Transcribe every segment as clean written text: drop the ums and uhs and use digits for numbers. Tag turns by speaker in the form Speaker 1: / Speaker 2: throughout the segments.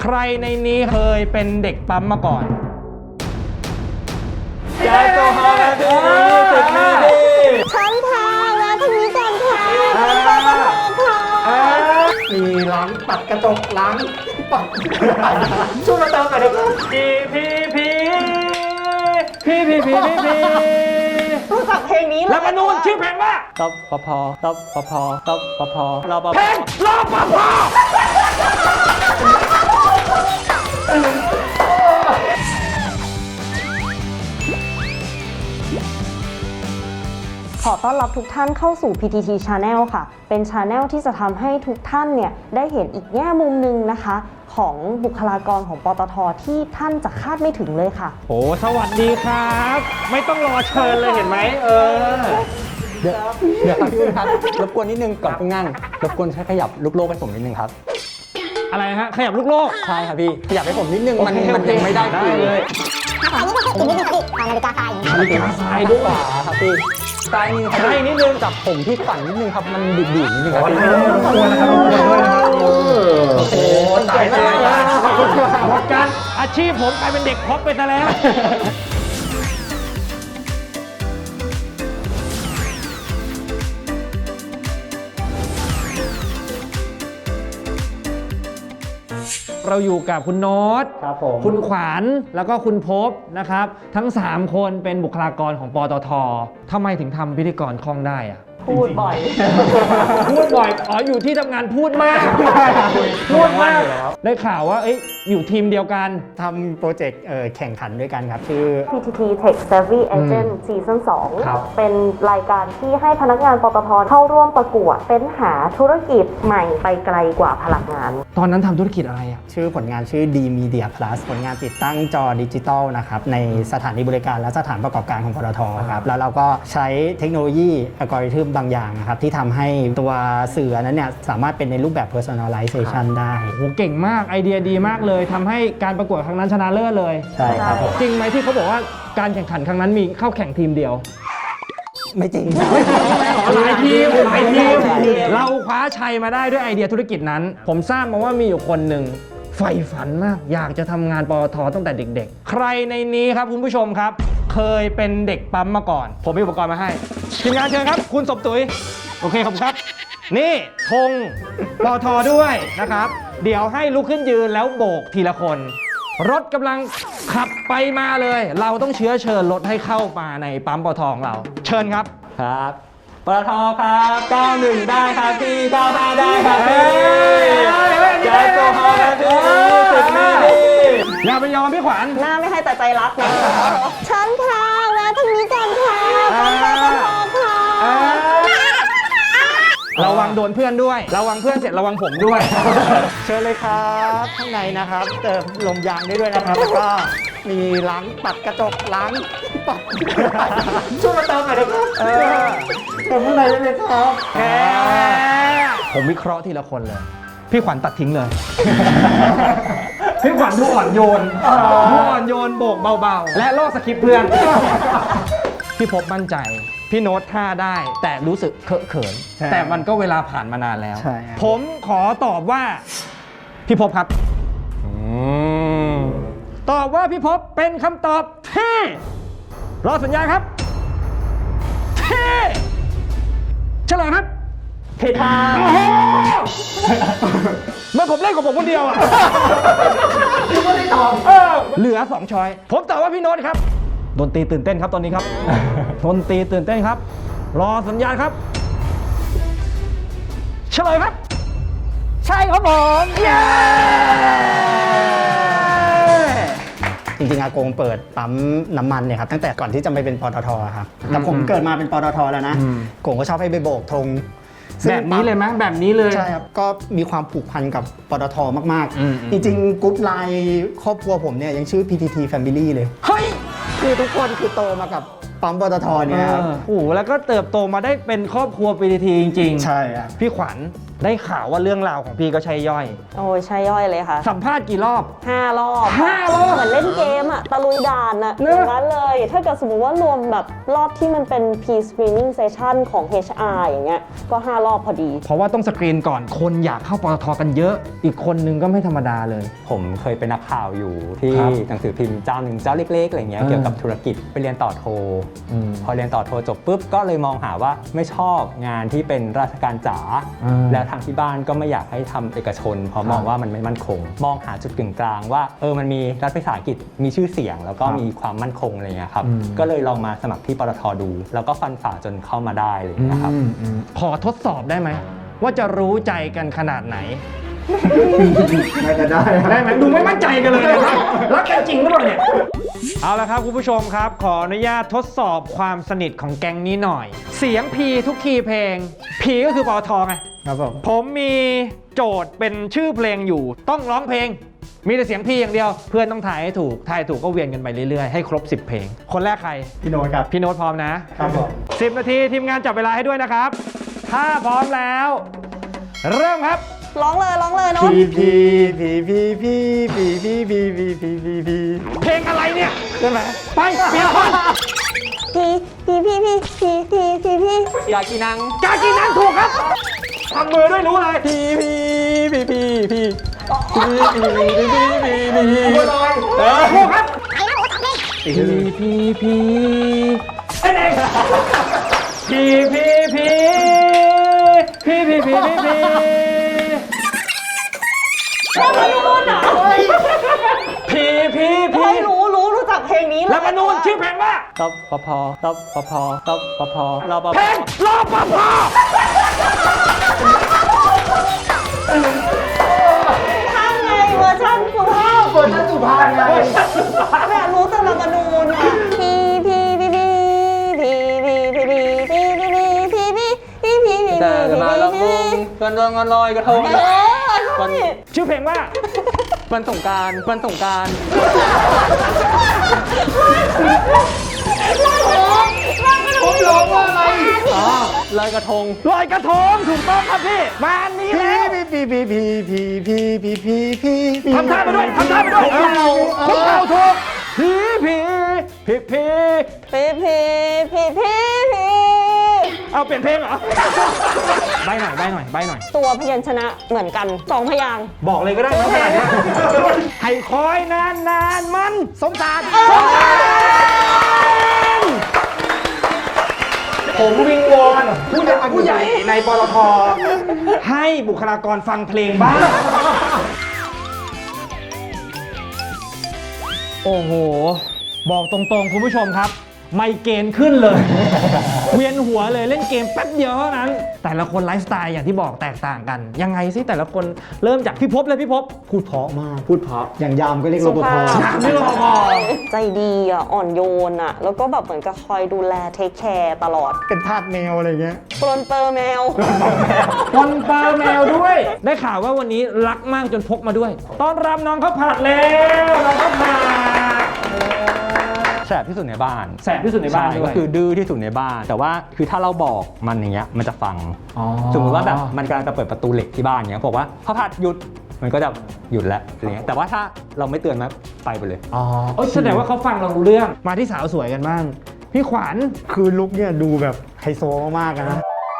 Speaker 1: ใครในนี้เคยเป็นเด็กปั๊มมาก่อน
Speaker 2: แก๊สโซฮอล์นาที20นาที
Speaker 3: ฉันทาแล้วทางนี้ก่อนค่ะ
Speaker 2: มีล้างปัดกระจกล้างปัดช่วยมาเติมหน่อยนะครับพี
Speaker 3: รู้จักเพลงนี้เลย
Speaker 1: แล้วก็นู่นชื่อเพลงว่า
Speaker 2: ตบพอตบพอตบพอรอปภ
Speaker 1: เพลงรอปภ
Speaker 3: ขอต้อนรับทุกท่านเข้าสู่ PTT Channel ค่ะ เป็น Channel ที่จะทำให้ทุกท่านเนี่ยได้เห็นอีกแง่มุมหนึ่งนะคะ ของบุคลากรของปตทที่ท่านจะคาดไม่ถึงเลยค่ะ
Speaker 1: โอ้สวัสดีครับ ไม่ต้องรอเชิญเลยเห็นไหม
Speaker 2: เดี๋ยวครับพี่ครับรบกวนนิดนึงก่อนเพิ่งนั่งรบกวนใช้ขยับลูกโลกให้ผมนิดนึงครับ
Speaker 1: อะไรฮะขยับลูกโลก
Speaker 2: ใช่ครับพี่ขยับให้ผมนิดนึงมัน
Speaker 1: โอเค
Speaker 2: ยังไม่ได้
Speaker 1: ได้
Speaker 2: คุย
Speaker 1: เลย
Speaker 3: อันนี้ก็อีกนิดนึงค่ะพี่นาฬิกาทราย
Speaker 2: นาฬิกาทรายด้วยครับพี่ซ้ายนี่ซ้ายนิดนึงจับผมที่ฝันนิดนึงครับมันดุๆนิดนึงครับพี่
Speaker 1: โอ้โหตายหมดกันอาชีพผมกลายเป็นเด็กพอปไปซะแล้ว เราอยู่กับคุณโน้ต
Speaker 2: ครับผม
Speaker 1: คุณขวัญแล้วก็คุณภพนะครับ ทั้ง 3 คนเป็นบุคลากรของปตททำไมถึงทำพิธีกรคล่องได้อะ
Speaker 3: พูดบ่อย
Speaker 1: พูดบ่อย อ๋อ อยู่ที่ทำงานพูดมาก พูดมาก ได้ข่าวว่าอยู่ทีมเดียวกัน
Speaker 2: ทำโปรเจกต์แข่งขันด้วยกันครับชื่อ
Speaker 3: PTT Tech Savvy Agent Season
Speaker 1: ครับ
Speaker 3: 2 เป็นรายการที่ให้พนักงานปตทเข้าร่วมประกวดเป็นหาธุรกิจใหม่ไปไกลกว่าพลังงาน
Speaker 1: ตอนนั้นทำธุรกิจอะไรอะ
Speaker 2: ชื่อผลงานชื่อ D Media Plus ผลงานติดตั้งจอดิจิตอลนะครับในสถานีบริการและสถานประกอบการของปตทครับแล้วเราก็ใช้เทคโนโลยีอัลกอริทึมบางอย่างนะครับที่ทำให้ตัวสื่อนั้นเนี่ยสามารถเป็นในรูปแบบ personalization ได้
Speaker 1: โหเก่งมากไอเดียดีมากเลยทำให้การประกวดครั้งนั้นชนะเลิศเลย
Speaker 2: ใช่ครับผม
Speaker 1: จริงไหมที่เขาบอกว่าการแข่งขันครั้งนั้นมีเข้าแข่งทีมเดียว
Speaker 2: ไม่จริง
Speaker 1: หลายทีมเราคว้าชัยมาได้ด้วยไอเดียธุรกิจนั้น ผมทราบมาว่ามีอยู่คนหนึ่งใฝ่ฝันมาก อยากจะทำงานปตทตั้งแต่เด็กๆ ใครในนี้ครับคุณผู้ชมครับ เคยเป็นเด็กปั๊มมาก่อน ผมมีอุปกรณ์มาให้ทีมงานเชิญครับ คุณสมตุ๋ยโอเคครับ นี่ธงปตทด้วยนะครับ เดี๋ยวให้ลุกขึ้นยืนแล้วโบกทีละคน รถกำลังขับไปมาเลย เราต้องเชื้อเชิญรถให้เข้ามาในปั๊มปตทของเรา เชิญครับ
Speaker 2: ครับปตทครับ91ได้ครับพี่95ได้ครับพี่แก๊สโซฮอล์นาที20นาที
Speaker 1: อย่าไปยอมพี่ขวัญ
Speaker 3: หน้าไม่ให้แต่ใจรักนะ ฉันทาแล้วทางนี้ก่อนค่ะค่ะ
Speaker 1: ระวังโดนเพื่อนด้วย ระวังเพื่อนเสร็จระวังผมด้วย
Speaker 2: เชิญเลยครับข้างในนะครับเติมลมยางได้ด้วยนะครับแล้วก็มีล้างปัดกระจกล้างปัดช่วยมาเติมหน่อยนะครับเติมข้างในได้เลยครับ
Speaker 1: ผมวิเคราะห์ทีละคนเลย พี่ขวัญตัดทิ้งเลย พี่ขวัญดูอ่อนโยนดูอ่อนโยนโบกเบาๆ และลอกสคริปต์เพื่อน พี่พบมั่นใจ พี่โน้ตท่าได้ แต่รู้สึกเคอะเขิน แต่มันก็เวลาผ่านมานานแล้ว
Speaker 2: ใช่ครับ
Speaker 1: ผมขอตอบว่า พี่พบครับ ตอบว่าพี่พบเป็นคำตอบที่รอสัญญาณครับที่เฉลยครับ
Speaker 2: ผิดทาง
Speaker 1: โอ้โหเมื่อผมเล่นของผมคนเดียวอ่ะเหลือ 2 ช้อย ผมตอบว่าพี่โน้ตครับดนตรีตื่นเต้นครับตอนนี้ครับดนตรีตื่นเต้นครับ รอสัญญาณครับเฉลยครับ
Speaker 2: ใช่ครับผม
Speaker 1: เย้
Speaker 2: จริงๆอากงเปิดปั๊มน้ำมันเนี่ยครับตั้งแต่ก่อนที่จะไปเป็นปตทครับแต่ผมเกิดมาเป็นปตทแล้วนะกงก็ชอบให้ไปโบกธง
Speaker 1: แบบนี้เลยไหมแบบนี้เลย
Speaker 2: ใช่ครับก็มีความผูกพันกับปตทมาก
Speaker 1: อืม
Speaker 2: ๆ จริงๆกรุ๊ปไลน์ครอบครัวผมเนี่ยยังชื่อ PTT Family เลย
Speaker 1: เฮ้ย
Speaker 2: คือทุกคนคือโตมากับปั๊มปตทเนี่ยครับ
Speaker 1: โอ้โหแล้วก็เติบโตมาได้เป็นครอบครัว PTT จริงๆ
Speaker 2: ใช่ครับ
Speaker 1: พี่ขวัญได้ข่าวว่าเรื่องราวของพี่ก็ใช่ย่อย
Speaker 3: โอ้ยใช่ย่อยเลยค่ะ
Speaker 1: สัมภาษณ์กี่รอบ
Speaker 3: 5 รอบ
Speaker 1: 5 รอบ
Speaker 3: เหมือนเล่นเกมอะตะลุยด่านอะ
Speaker 1: เน
Speaker 3: อ
Speaker 1: อะ
Speaker 3: ย่างนั้นเลย ถ้าเกิดสมมติว่ารวมแบบรอบที่มันเป็น pre-screening session ของ HR อย่างเงี้ยก็5 รอบพอดี
Speaker 1: เพราะว่าต้องสกรีนก่อนคนอยากเข้าปตทกันเยอะ อีกคนนึงก็ไม่ธรรมดาเลย
Speaker 4: ผมเคยเป็นนักข่าวอยู่ที่
Speaker 1: ครับ
Speaker 4: หนังสือพิมพ์เจ้าหนึ่งเจ้าเล็กๆอะไรเงี้ย
Speaker 1: อ่า
Speaker 4: เกี่ยวกับธุรกิจไปเรียนต่อโท
Speaker 1: อืม
Speaker 4: พอเรียนต่อโทจบปุ๊บก็เลยมองหาว่าไม่ชอบงานที่เป็นราชการจ๋า
Speaker 1: อ่า
Speaker 4: แล้วทางที่บ้านก็ไม่อยากให้ทำเอกชน เพราะ
Speaker 1: ครับ
Speaker 4: มองว่ามันไม่มั่นคง มองหาจุดกึ่งกลางว่ามันมีรัฐวิสาหกิจมีชื่อเสียง แล้วก็
Speaker 1: ครับ
Speaker 4: มีความมั่นคงอะไรเงี้ยครับ
Speaker 1: อืม
Speaker 4: ก็เลยลองมาสมัครที่ปตทดู แล้วก็ฟันฝ่าจนเข้ามาได้เลยนะครับ
Speaker 1: ขอทดสอบได้ไหม ว่าจะรู้ใจกันขนาดไหน
Speaker 2: น่าจะได้
Speaker 1: ได้ไหมดูไม่มั่นใจกันเลยนะครับรักกันจริงหรือเปล่าเนี่ย เอาละครับคุณผู้ชมครับ ขออนุญาตทดสอบความสนิทของแก๊งนี้หน่อย เสียงพีทุกคีย์เพลงพีก็คือปตทไง
Speaker 2: ครับผม
Speaker 1: ผมมีโจทย์เป็นชื่อเพลงอยู่ต้องร้องเพลง มีแต่เสียงพีอย่างเดียว เพื่อนต้องถ่ายให้ถูกถ่ายถูกก็เวียนกันไปเรื่อยๆ ให้ครบ 10 เพลง คนแรกใคร
Speaker 2: พี่โน้ตครับ
Speaker 1: พี่โน้ตพร้อมนะครับ
Speaker 2: ผม
Speaker 1: 10 นาทีทีมงานจับเวลาให้ด้วยนะครับ ถ้าพร้อมแล้ว เริ่มครับ
Speaker 3: ร้องเลยโน้ต
Speaker 2: พีพี
Speaker 1: เพลงอะไรเนี่ยใช่ไหมไปเปลี่ยนคน
Speaker 3: พี่
Speaker 4: อยากกินนัง
Speaker 1: กากินังถูกครับทำมือด้วยรู้เลย
Speaker 4: พี่
Speaker 1: บัวลอยถูกครับพีเอ้ยพี
Speaker 3: แล้วมนูนเหรอ
Speaker 1: พี
Speaker 3: เฮ้ยรู้จักเพลงนี้เลย
Speaker 1: แล้วมนูนชื่อเพลงว่า
Speaker 4: ตบปพตบปพตบปพรอปภ
Speaker 1: เพลงรอปภ
Speaker 3: ข้างไงเวอร์ชันสุภาพ
Speaker 2: ไง
Speaker 3: แบบรู้แต่ละมนูนอะพี่
Speaker 4: แต่จะมาลำวงกันดวงกันลอยกระทง
Speaker 3: วัน
Speaker 1: ชื่อเพลงว่า
Speaker 4: วันสงกราร
Speaker 2: ผมร้องว่าอะไร
Speaker 4: ลอยกระทง
Speaker 1: ลอยกระทงถูกต้องครับพี่มาอันนี้แล้ว
Speaker 2: พี
Speaker 1: ทำท่าไปด้วยคุกเข่าถูกพีเอาเปลี่ยนเพลงเหรอใบหน่อย
Speaker 3: ตัวพยัญชนะเหมือนกัน2 พยางค์
Speaker 1: บอกเลยก็ได้นะขนาดนี้ให้คอยนานมันสมสารผมวิงวอนผู้ใหญ่ในปตทให้บุคลากรฟังเพลงบ้างโอ้โห บอกตรงๆ คุณผู้ชมครับ ไมเกรนขึ้นเลย เวียนหัวเลยเล่นเกมแป๊บเดียวเท่านั้น แต่ละคนไลฟ์สไตล์อย่างที่บอกแตกต่างกัน ยังไงสิแต่ละคนเริ่มจากพี่ภพเลยพี่ภพ
Speaker 2: พูดเพราะมากพูดเพราะอย่างยามก็เรียกรปภ
Speaker 1: ไม่รอพอ
Speaker 3: ใจดีอ่ะอ่อนโยนอ่ะแล้วก็แบบเหมือนกับคอยดูแลเทคแคร์ตลอด
Speaker 2: เป็นทาสแมวอะไรเงี้ย
Speaker 3: ปลนเปอร์แมว
Speaker 1: คนเปาแมวด้วย ได้ข่าวว่าวันนี้รักมากจนพกมาด้วย ต้อนรับน้องข้าวผัดแล้วน้องข้าวผัด
Speaker 4: แสบที่สุดในบ้าน
Speaker 1: แสบที่สุดในบ้าน
Speaker 4: ช่
Speaker 1: ด้วย
Speaker 4: ก็คือดื้อที่สุดในบ้าน แต่ว่าคือถ้าเราบอกมันอย่างเงี้ยมันจะฟัง สมมติว่าแบบมันกำลังจะเปิดประตูเหล็กที่บ้านเงี้ยบอกว่าข้าวผัดหยุดมันก็จะหยุดแล้วอะไรเงี้ยแต่ว่าถ้าเราไม่เตือนมันไปเลย
Speaker 1: อ๋อแสดงว่าเขาฟังเรารู้เรื่องมาที่สาวสวยกันบ้างพี่ขวัญ
Speaker 2: คือลุคเนี่ยดูแบบไฮโซมากๆอะนะ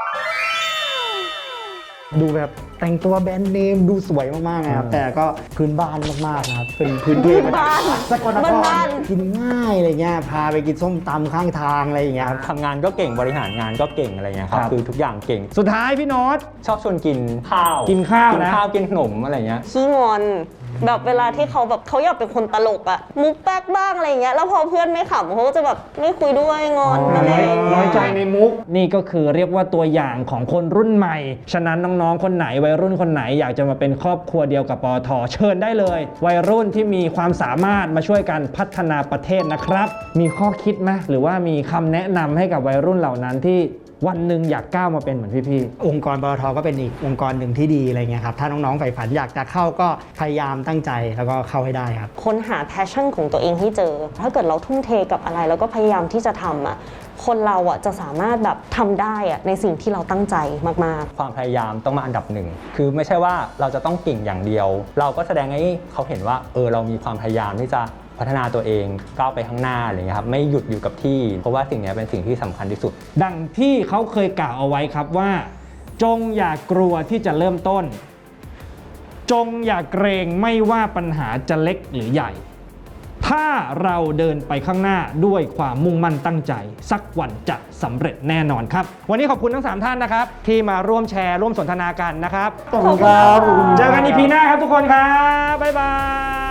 Speaker 2: ดูแบบแต่งตัวแบรนด์เนมดูสวยมากๆนะครับแต่ก็พื้นบ้านมากๆนะครับเป็นพื้นที่มาจากสกลนคร
Speaker 3: บ้าน
Speaker 2: กินง่ายอะไรเงี้ยพาไปกินส้มตำข้างทางอะไรอย่างเงี้ยครับ
Speaker 4: ทำงานก็เก่งบริหารงานก็เก่งอะไรเงี้ยครับคือทุกอย่างเก่ง
Speaker 1: สุดท้ายพี่โน้ต
Speaker 4: ชอบชวนกินข้าว
Speaker 1: กินข้าวนะ
Speaker 4: กินขนมอะไรเงี้ย
Speaker 3: ขี้งอนแบบเวลาที่เขาแบบเขาอยากเป็นคนตลกอะมุกแป๊กบ้างอะไรอย่างเงี้ยแล้วพอเพื่อนไม่ขำเขาก็จะแบบไม่คุยด้วยงอนอะไรอย่างเงี้ย
Speaker 1: น้อยใจในมุก นี่ก็คือเรียกว่าตัวอย่างของคนรุ่นใหม่ ฉะนั้นน้องๆคนไหนวัยรุ่นคนไหนอยากจะมาเป็นครอบครัวเดียวกับปตทเชิญได้เลย วัยรุ่นที่มีความสามารถมาช่วยกันพัฒนาประเทศนะครับ มีข้อคิดไหมหรือว่ามีคำแนะนำให้กับวัยรุ่นเหล่านั้นที่วันหนึ่งอยากก้าวมาเป็นเหมือนพี่
Speaker 2: องค์กรปตทก็เป็นอีกองค์กรหนึ่งที่ดีอะไรเงี้ยครับถ้าน้องๆใฝ่ฝันอยากจะเข้าก็พยายามตั้งใจแล้วก็เข้าให้ได้ครับ
Speaker 3: ค้นหา passion ของตัวเองให้เจอ ถ้าเกิดเราทุ่มเทกับอะไรแล้วก็พยายามที่จะทำอ่ะคนเราอ่ะจะสามารถแบบทำได้อ่ะในสิ่งที่เราตั้งใจมากๆ
Speaker 4: ความพยายามต้องมาอันดับหนึ่งคือไม่ใช่ว่าเราจะต้องเก่งอย่างเดียว เราก็แสดงให้เขาเห็นว่าเรามีความพยายามที่จะพัฒนาตัวเองก้าวไปข้างหน้าอะไรเงี้ยครับไม่หยุดอยู่กับที่เพราะว่าสิ่งนี้เป็นสิ่งที่สำคัญที่สุด
Speaker 1: ๆ ดังที่เขาเคยกล่าวเอาไว้ครับว่า จงอย่ากลัวที่จะเริ่มต้น จงอย่าเกรงไม่ว่าปัญหาจะเล็กหรือใหญ่ ถ้าเราเดินไปข้างหน้าด้วยความมุ่งมั่นตั้งใจ สักวันจะสำเร็จแน่นอนครับ วันนี้ขอบคุณทั้ง 3 ท่านนะครับ ที่มาร่วมแชร์ร่วมสนทนากันนะครับ
Speaker 2: ขอบคุณครับ
Speaker 1: เจอกันอีพีหน้าครับทุกคนครับ บ๊ายบาย